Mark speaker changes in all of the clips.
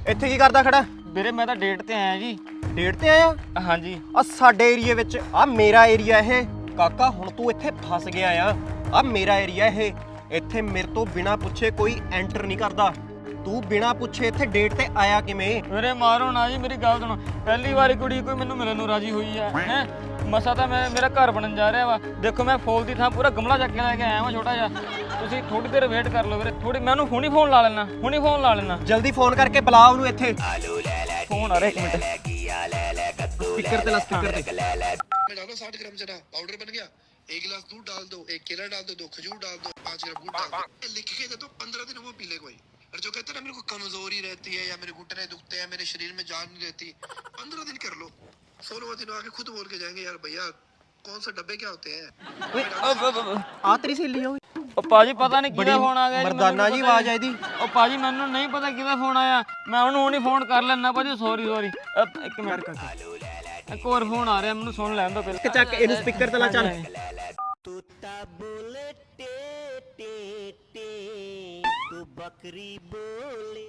Speaker 1: ਇੱਥੇ ਕੀ ਕਰਦਾ ਖੜਾ?
Speaker 2: ਵੀਰੇ ਮੈਂ ਤਾਂ ਡੇਟ ਤੇ ਆਇਆ ਜੀ।
Speaker 1: ਡੇਟ ਤੇ ਆਇਆ?
Speaker 2: ਹਾਂਜੀ।
Speaker 1: ਆ ਸਾਡੇ ਏਰੀਏ ਵਿੱਚ ਆ ਮੇਰਾ ਏਰੀਆ ਇਹ ਕਾਕਾ, ਹੁਣ ਤੂੰ ਇੱਥੇ ਫਸ ਗਿਆ ਆ ਮੇਰਾ ਏਰੀਆ ਇਹ। ਇੱਥੇ ਮੇਰੇ ਤੋਂ ਬਿਨਾ ਪੁੱਛੇ ਕੋਈ ਐਂਟਰ ਨਹੀਂ ਕਰਦਾ। ਤੂੰ ਬਿਨਾ ਪੁੱਛੇ ਇੱਥੇ ਡੇਟ ਤੇ ਆਇਆ ਕਿਵੇਂ?
Speaker 2: ਵੀਰੇ ਮਾਰੋ ਨਾ ਜੀ, ਮੇਰੀ ਗੱਲ ਸੁਣੋ। ਪਹਿਲੀ ਵਾਰੀ ਕੁੜੀ ਕੋਈ ਮੈਨੂੰ ਮਿਲਣ ਨੂੰ ਰਾਜੀ ਹੋਈ ਹੈ ਮਸਾ ਤਾਂ ਮੇਰਾ ਘਰ ਬਣਨ ਜਾ ਰਿਹਾ ਵਾ। ਦੇਖੋ ਮੈਂ ਫੋਲ ਦੀ ਥਾਂ ਪੂਰਾ ਗਮਲਾ ਚੱਕ ਕੇ ਲੈ ਕੇ ਆਇਆ ਵਾਂ ਛੋਟਾ ਜਿਹਾ। ਤੁਸੀਂ ਥੋੜੀ ਦੇਰ ਵੇਟ ਕਰ ਲਓ ਵੀਰੇ, ਥੋੜੀ। ਮੈਂ ਉਹਨੂੰ ਹੁਣੀ ਫੋਨ ਲਾ ਲੈਣਾ।
Speaker 1: ਜਲਦੀ ਫੋਨ ਕਰਕੇ ਬੁਲਾ ਉਹਨੂੰ ਇੱਥੇ।
Speaker 2: ਫੋਨ ਆ ਰਿਹਾ, 1 ਮਿੰਟ।
Speaker 1: स्पीकर पे ला, स्पीकर पे।
Speaker 3: में डालो 60 ग्राम चना पाउडर बन गया। 1 गिलास दूध डाल दो, 1 केला डाल दो, 2 खजूर डाल दो, 5 ग्राम गुड़ डाल दो। लिख के दे दो, 15 दिन वो पी ले कोई। और जो कहते हैं ना मेरे को कमजोरी रहती है या मेरे घुटने दुखते हैं, मेरे शरीर में जान नहीं रहती, 15 दिन कर लो। 16वां दिन आके खुद बोल के जाएंगे, यार भैया कौन से डब्बे क्या होते हैं।
Speaker 1: आ तेरी सहेली है?
Speaker 2: ਉਹ ਭਾਜੀ ਪਤਾ ਨਹੀਂ ਕਿਹਦਾ ਫੋਨ ਆ ਗਿਆ ਜੀ।
Speaker 1: ਮਰਦਾਨਾ ਜੀ ਆਵਾਜ਼ ਆਈ ਦੀ।
Speaker 2: ਉਹ ਭਾਜੀ ਮੈਨੂੰ ਨਹੀਂ ਪਤਾ ਕਿਹਦਾ ਫੋਨ ਆਇਆ। ਮੈਂ ਉਹਨੂੰ ਹੁਣੀ ਫੋਨ ਕਰ ਲੈਣਾ ਭਾਜੀ। Sorry 1 minute. ਇੱਕ ਹੋਰ ਫੋਨ ਆ ਰਿਹਾ, ਮੈਨੂੰ ਸੁਣ ਲੈਣ ਦਿਓ ਪਹਿਲਾਂ।
Speaker 1: ਚੱਕ ਇਹਨੂੰ ਸਪੀਕਰ ਤੇ ਲਾ। ਚੱਲ
Speaker 4: ਤੂੰ ਤਾਂ ਬੋਲੇ ਟੇ ਟੇ ਟੇ ਤੂੰ ਬੱਕਰੀ ਬੋਲੇ।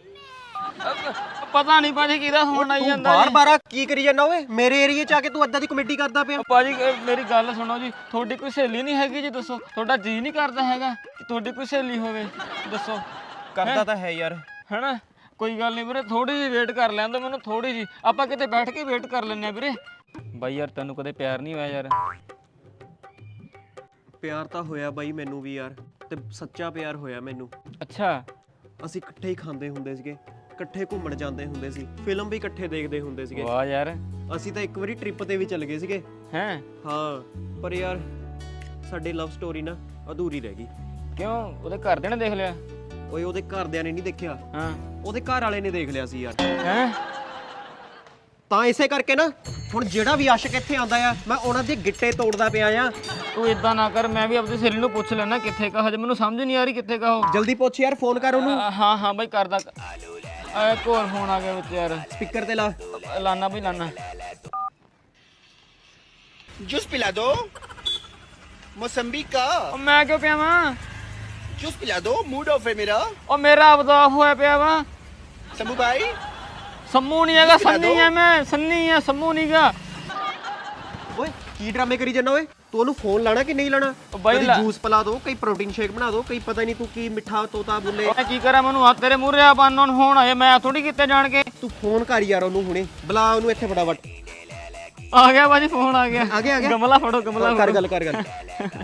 Speaker 2: ਪਤਾ ਨਹੀਂ ਭਾਜੀ ਕਿਹਦਾ ਫੋਨ ਆਈ ਜਾਂਦਾ।
Speaker 1: ਬਾਰ-ਬਾਰ ਕੀ ਕਰੀ ਜਾਂਦਾ ਓਏ? ਮੇਰੇ ਏਰੀਏ ਚ ਆ ਕੇ ਤੂੰ ਅੱਦਾਂ ਦੀ ਕਮੇਡੀ ਕਰਦਾ ਪਿਆ।
Speaker 2: ਭਾਜੀ ਮੇਰੀ ਗੱਲ ਸੁਣੋ ਜੀ, ਤੁਹਾਡੀ ਕੋਈ ਸਹੇਲੀ ਨਹੀਂ ਹੈਗੀ ਜੀ? ਦੱਸੋ, ਤੁਹਾਡਾ ਜੀ ਨਹੀਂ ਕਰਦਾ ਹੈਗਾ ਕਿ ਤੁਹਾਡੀ ਕੋਈ ਸਹੇਲੀ ਹੋਵੇ? ਦੱਸੋ।
Speaker 1: ਕਰਦਾ ਤਾਂ ਹੈ ਯਾਰ,
Speaker 2: ਹੈਨਾ? ਕੋਈ ਗੱਲ ਨਹੀਂ ਵੀਰੇ, ਥੋੜੀ ਜਿਹੀ ਵੇਟ ਕਰ ਲੈਣ ਦਿਓ ਮੈਨੂੰ, ਥੋੜੀ ਜਿਹੀ। ਆਪਾਂ ਕਿਤੇ ਬੈਠ ਕੇ ਵੇਟ ਕਰ ਲੈਂਦੇ ਆ ਵੀਰੇ। ਬਾਈ ਯਾਰ ਤੈਨੂੰ ਕਦੇ ਪਿਆਰ ਨਹੀਂ ਹੋਇਆ ਯਾਰ?
Speaker 1: ਪਿਆਰ ਤਾਂ ਹੋਇਆ ਬਾਈ ਮੈਨੂੰ ਵੀ ਯਾਰ, ਤੇ ਸੱਚਾ ਪਿਆਰ ਹੋਇਆ ਮੈਨੂੰ।
Speaker 2: ਅੱਛਾ।
Speaker 1: ਅਸੀਂ ਇਕੱਠੇ ਹੀ ਖਾਂਦੇ ਹੁੰਦੇ ਸੀਗੇ, ਇਕੱਠੇ ਘੁੰਮਣ ਜਾਂਦੇ ਹੁੰਦੇ ਸੀ, ਫਿਲਮ ਵੀ ਇਕੱਠੇ ਦੇਖਦੇ ਹੁੰਦੇ ਸੀਗੇ।
Speaker 2: ਵਾਹ ਯਾਰ।
Speaker 1: ਅਸੀਂ ਤਾਂ ਇੱਕ ਵਾਰੀ ਟ੍ਰਿਪ ਤੇ ਵੀ ਚੱਲ ਗਏ ਸੀਗੇ।
Speaker 2: ਹੈਂ?
Speaker 1: ਹਾਂ, ਪਰ ਯਾਰ ਸਾਡੀ ਲਵ ਸਟੋਰੀ ਨਾ ਅਧੂਰੀ ਰਹਿ ਗਈ।
Speaker 2: ਕਿਉਂ? ਉਹਦੇ ਘਰਦਿਆਂ ਨੇ ਦੇਖ ਲਿਆ?
Speaker 1: ਓਏ ਉਹਦੇ ਘਰਦਿਆਂ ਨੇ ਨਹੀਂ ਦੇਖਿਆ,
Speaker 2: ਹਾਂ,
Speaker 1: ਉਹਦੇ ਘਰ ਵਾਲੇ ਨੇ ਦੇਖ ਲਿਆ ਸੀ ਯਾਰ।
Speaker 2: ਹੈਂ?
Speaker 1: ਤਾਂ ਇਸੇ ਕਰਕੇ ਨਾ ਹੁਣ ਜਿਹੜਾ ਵੀ ਆਸ਼ਿਕ ਇੱਥੇ ਆਉਂਦਾ ਆ, ਮੈਂ ਉਹਨਾਂ ਦੇ ਗਿੱਟੇ ਤੋੜਦਾ ਪਿਆ ਆ।
Speaker 2: ਤੂੰ ਇਦਾਂ ਨਾ ਕਰ, ਮੈਂ ਵੀ ਆਪਣੀ ਸਹੇਲੀ ਨੂੰ ਪੁੱਛ ਲੈਣਾ ਕਿੱਥੇ ਕਾ। ਹਜੇ ਮੈਨੂੰ ਸਮਝ ਨਹੀਂ ਆ ਰਹੀ ਕਿੱਥੇ ਕਾ ਉਹ।
Speaker 1: ਜਲਦੀ ਪੁੱਛ ਯਾਰ, ਫੋਨ ਕਰ ਉਹਨੂੰ।
Speaker 2: ਹਾਂ ਬਾਈ ਕਰਦਾ। ਇੱਕ ਹੋਰ ਫੋਨ ਆ ਗਿਆ ਵਿੱਚ ਯਾਰ।
Speaker 1: ਸਪੀਕਰ ਤੇ ਲਾ।
Speaker 2: ਲਾਨਾ ਬਈ ਲਾਨਾ।
Speaker 5: जूस पिला दो मौसम्बी का।
Speaker 2: ਉਹ ਮੈਂ ਕਿਉਂ ਪਿਆ ਵਾਂ?
Speaker 5: जूस पिला दो, मूड ऑफ है मेरा।
Speaker 2: ਉਹ ਮੇਰਾ ਆਪਦਾ ਆਫ ਹੋਇਆ ਪਿਆ ਵਾ।
Speaker 5: शंभू भाई
Speaker 2: ਸੰਮੂ ਨਹੀਂ ਹੈਗਾ, ਸੰਨੀ ਆ ਮੈਂ। ਸੰਨੀ ਆ, ਸੰਮੂ ਨਹੀਂਗਾ।
Speaker 1: ਓਏ ਕੀ ਡਰਾਮੇ ਕਰੀ ਜਾਂਦਾ ਓਏ? ਤੂੰ ਉਹਨੂੰ ਫੋਨ ਲਾਣਾ ਕਿ ਨਹੀਂ ਲਾਣਾ?
Speaker 2: ਬਾਈ
Speaker 1: ਕਦੀ ਜੂਸ ਪਿਲਾ ਦੋ, ਕਈ ਪ੍ਰੋਟੀਨ ਸ਼ੇਕ ਬਣਾ ਦੋ, ਕਈ ਪਤਾ ਨਹੀਂ ਤੂੰ ਕੀ ਮਿੱਠਾ ਤੋਤਾ ਬੋਲੇ।
Speaker 2: ਮੈਂ ਕੀ ਕਰਾਂ, ਮੈਨੂੰ ਹੱਥ ਤੇਰੇ ਮੂਹਰੇ ਆ ਬੰਨ ਹੁਣ ਆਏ। ਮੈਂ ਥੋੜੀ ਕਿਤੇ ਜਾਣ ਕੇ।
Speaker 1: ਤੂੰ ਫੋਨ ਕਰ ਯਾਰ ਉਹਨੂੰ ਹੁਣੇ, ਬੁਲਾ ਉਹਨੂੰ ਇੱਥੇ ਫਟਾਫਟ।
Speaker 2: ਆ ਗਿਆ ਭਾਜੀ, ਫੋਨ ਆ ਗਿਆ।
Speaker 1: ਆ ਗਿਆ
Speaker 2: ਗਮਲਾ ਫੜੋ, ਗਮਲਾ
Speaker 1: ਕਰ ਗੱਲ ਕਰ ਗੱਲ।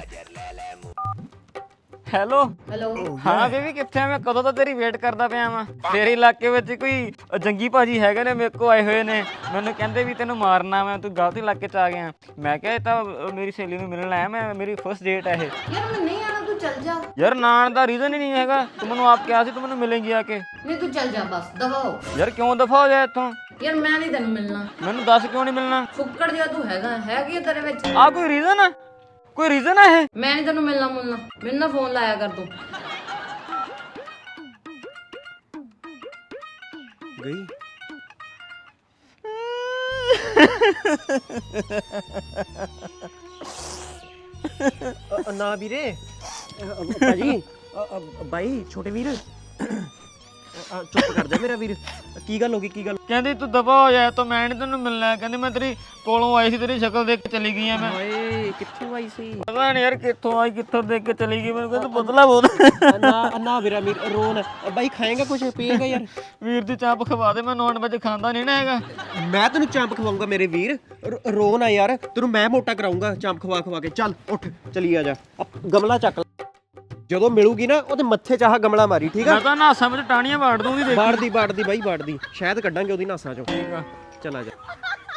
Speaker 2: ਹੈਲੋ। ਹਾਂ ਬੇਬੀ ਕਿੱਥੇ ਆ? ਮੈਂ ਕਦੋਂ ਤਾਂ ਤੇਰੀ ਵੇਟ ਕਰਦਾ ਪਿਆ ਵਾਂ। ਤੇਰੇ ਇਲਾਕੇ ਵਿੱਚ ਕੋਈ ਜੰਗੀ ਭਾਜੀ ਹੈਗੇ ਨੇ, ਮੇਰੇ ਕੋ ਆਏ ਹੋਏ ਨੇ। ਮੈਨੂੰ ਕਹਿੰਦੇ ਵੀ ਤੈਨੂੰ ਮਾਰਨਾ, ਮੈਂ ਤੂੰ ਗਲਤ ਇਲਾਕੇ ਚ ਆ ਗਿਆ। ਮੈਂ ਕਿਹਾ ਇਹ ਤਾਂ ਮੇਰੀ ਸਹੇਲੀ ਨੂੰ ਮਿਲਣ ਆਇਆ ਮੈਂ, ਮੇਰੀ ਫਸਟ ਡੇਟ ਹੈ ਇਹ।
Speaker 6: ਯਾਰ ਮੈਂ ਨਹੀਂ ਆਣਾ, ਤੂੰ ਚੱਲ ਜਾ।
Speaker 2: ਯਾਰ ਨਾ ਆਉਣ ਦਾ ਰੀਜ਼ਨ ਹੀ ਨਹੀਂ ਹੈਗਾ। ਤੂੰ ਮੈਨੂੰ ਆਪ ਕਿਹਾ ਸੀ ਤੂੰ ਮੈਨੂੰ ਮਿਲੇਂਗੀ ਆ ਕੇ।
Speaker 6: ਨਹੀਂ ਤੂੰ ਚੱਲ ਜਾ ਬਸ, ਦਫਾ ਹੋ।
Speaker 2: ਯਾਰ ਕਿਉਂ ਦਫਾ ਹੋ ਜਾ ਇੱਥੋਂ?
Speaker 6: ਯਾਰ ਮੈਂ ਨਹੀਂ ਤੈਨੂੰ ਮਿਲਣਾ।
Speaker 2: ਮੈਨੂੰ ਦੱਸ ਕਿਉਂ ਨਹੀਂ ਮਿਲਣਾ?
Speaker 6: ਫੁੱਕੜ ਜਿਹਾ ਤੂੰ ਹੈਗੀ ਆ ਤੇਰੇ ਵਿੱਚ।
Speaker 2: ਆ ਕੋਈ ਰੀਜ਼ਨ ਆ? ਕੋਈ ਰੀਜ਼ਨ ਆ ਇਹ?
Speaker 6: ਮੈਂ ਨਹੀਂ ਤੈਨੂੰ ਮਿਲਣਾ। ਮੈਨੂੰ ਨਾ ਫੋਨ ਲਾਇਆ ਕਰ ਤੂੰ।
Speaker 1: ਗਈ ਨਾ ਵੀਰੇ। ਭਾਜੀ ਬਾਈ ਛੋਟੇ ਵੀਰ ਚੁੱਪ ਕਰ ਜਾ ਮੇਰਾ ਵੀਰ। ਕੀ ਗੱਲ ਹੋ ਗਈ? ਕੀ ਗੱਲ?
Speaker 2: ਕਹਿੰਦੀ ਤੂੰ ਦਫਾ ਹੋ ਜਾ ਤੋ, ਮੈਂ ਨਹੀਂ ਤੈਨੂੰ ਮਿਲਣਾ। ਕਹਿੰਦੀ ਮੈਂ ਤੇਰੀ ਕੋਲੋਂ ਆਈ ਸੀ, ਤੇਰੀ ਸ਼ਕਲ ਦੇਖ ਕੇ ਚਲੀ ਗਈ ਆ ਮੈਂ।
Speaker 1: ਓਏ ਕਿੱਥੋਂ ਆਈ ਸੀ?
Speaker 2: ਪਤਾ ਨਹੀਂ ਯਾਰ ਕਿੱਥੋਂ ਆਈ, ਕਿੱਥੋਂ ਦੇਖ ਕੇ ਚਲੀ ਗਈ। ਮੈਨੂੰ ਕਹਿੰਦਾ ਬਦਲਾ ਬਹੁਤ।
Speaker 1: ਨਾ ਵੀਰਾ ਵੀਰ ਰੋਣ। ਬਾਈ ਖਾਏਗਾ ਕੁਝ? ਪੀਏਗਾ ਯਾਰ?
Speaker 2: ਵੀਰ ਦੀ ਚਾਂਪ ਖਵਾ ਦੇ, ਮੈਂ ਨੌਨ ਵੈਜ ਖਾਂਦਾ ਨਹੀਂ ਨਾ ਹੈਗਾ।
Speaker 1: ਮੈਂ ਤੈਨੂੰ ਚਾਂਪ ਖਵਾਉਂਗਾ ਮੇਰੇ ਵੀਰ। ਰੋ ਨਾ ਯਾਰ, ਤੈਨੂੰ ਮੈਂ ਮੋਟਾ ਕਰਾਉਂਗਾ ਚਾਂਪ ਖਵਾ ਕੇ। ਚੱਲ ਉੱਠ, ਚਲੀ ਆ ਜਾ। ਗਮਲਾ ਚੱਕ, ਜਦੋਂ ਮਿਲੂਗੀ ਨਾ ਉਹਦੇ ਮੱਥੇ 'ਚ ਆਹ ਗਮਲਾ ਮਾਰੀ, ਠੀਕ ਆ?
Speaker 2: ਮੈਂ ਤਾਂ ਨਾਸਾਂ ਵਿੱਚ ਟਾਣੀਆਂ ਵਾੜ ਦੂੰਗੀ।
Speaker 1: ਬਾੜਦੀ ਬਾਈ, ਬਾੜਦੀ। ਸ਼ਾਇਦ ਕੱਢਾਂਗੇ ਉਹਦੀ ਨਾਸਾਂ 'ਚੋਂ।
Speaker 2: ਠੀਕ ਆ,
Speaker 1: ਚਲ ਆ ਜਾ।